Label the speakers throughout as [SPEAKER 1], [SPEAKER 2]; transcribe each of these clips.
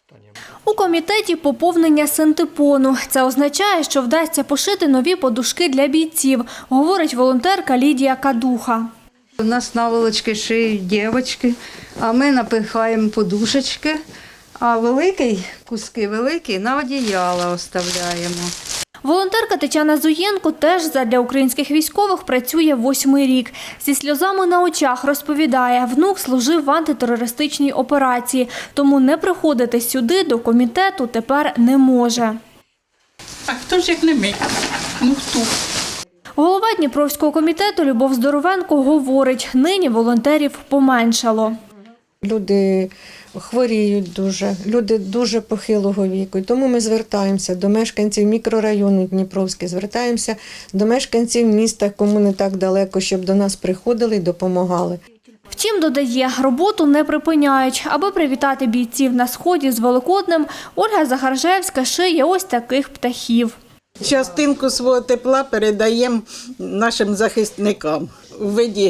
[SPEAKER 1] У комітеті поповнення синтепону. Це означає, що вдасться пошити нові подушки для бійців, говорить волонтерка Лідія Кадуха.
[SPEAKER 2] У нас наволочки шиють дівчатки, а ми напихаємо подушечки, а куски великі на одіяла оставляємо.
[SPEAKER 1] Волонтерка Тетяна Зуєнко теж задля українських військових працює 8-й рік. Зі сльозами на очах розповідає, внук служив в антитерористичній операції, тому не приходити сюди до комітету тепер не може.
[SPEAKER 3] А хто ж як не ми? Ну хто?
[SPEAKER 1] Голова Дніпровського комітету Любов Здоровенко говорить, нині волонтерів поменшало.
[SPEAKER 4] Люди хворіють дуже, люди дуже похилого віку. І тому ми звертаємося до мешканців мікрорайону Дніпровський, звертаємося до мешканців міста, кому не так далеко, щоб до нас приходили і допомагали.
[SPEAKER 1] Втім, додає, роботу не припиняють. Аби привітати бійців на Сході з Великоднем, Ольга Захаржевська шиє ось таких птахів.
[SPEAKER 5] Частинку свого тепла передаємо нашим захисникам у виді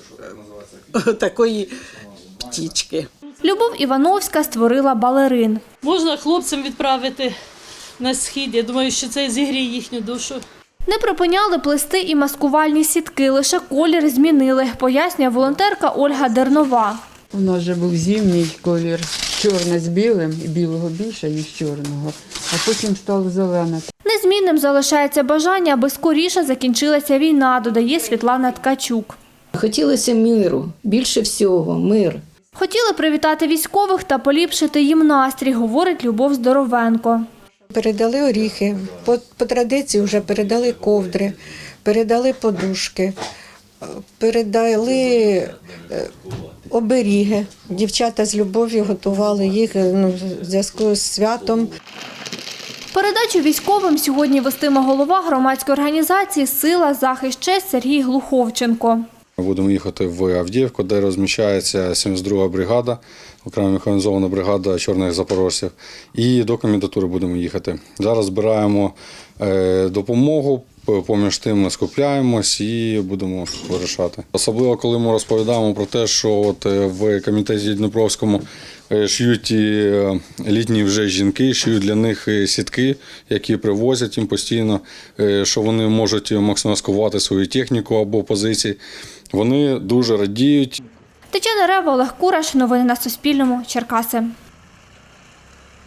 [SPEAKER 5] такої птічки.
[SPEAKER 1] Любов Івановська створила балерин.
[SPEAKER 6] Можна хлопцям відправити на схід. Я думаю, що це зігріє їхню душу.
[SPEAKER 1] Не припиняли плести і маскувальні сітки, лише колір змінили, пояснює волонтерка Ольга Дернова.
[SPEAKER 7] У нас вже був зимній колір, чорне з білим, і білого більше, ніж чорного, а потім стало зелене.
[SPEAKER 1] Незмінним залишається бажання, аби скоріше закінчилася війна, додає Світлана Ткачук.
[SPEAKER 8] Хотілося миру, більше всього, мир.
[SPEAKER 1] Хотіли привітати військових та поліпшити їм настрій, говорить Любов Здоровенко.
[SPEAKER 4] Передали оріхи, по традиції вже передали ковдри, передали подушки, передали оберіги. Дівчата з любов'ю готували їх в зв'язку з святом.
[SPEAKER 1] Передачу військовим сьогодні вестиме голова громадської організації «Сила, захист, честь» Сергій Глуховченко.
[SPEAKER 9] Ми будемо їхати в Авдіївку, де розміщається 72-га бригада, окрема механізована бригада чорних запорожців. І до комендатури будемо їхати. Зараз збираємо допомогу, поміж тим ми скупляємось і будемо вирішати. Особливо, коли ми розповідаємо про те, що от в комітеті Дніпровському шиють літні вже жінки, шиють для них сітки, які привозять їм постійно, що вони можуть максимаскувати свою техніку або позиції. Вони дуже радіють.
[SPEAKER 1] Тетяна Рева, Олег Кураш. Новини на Суспільному. Черкаси.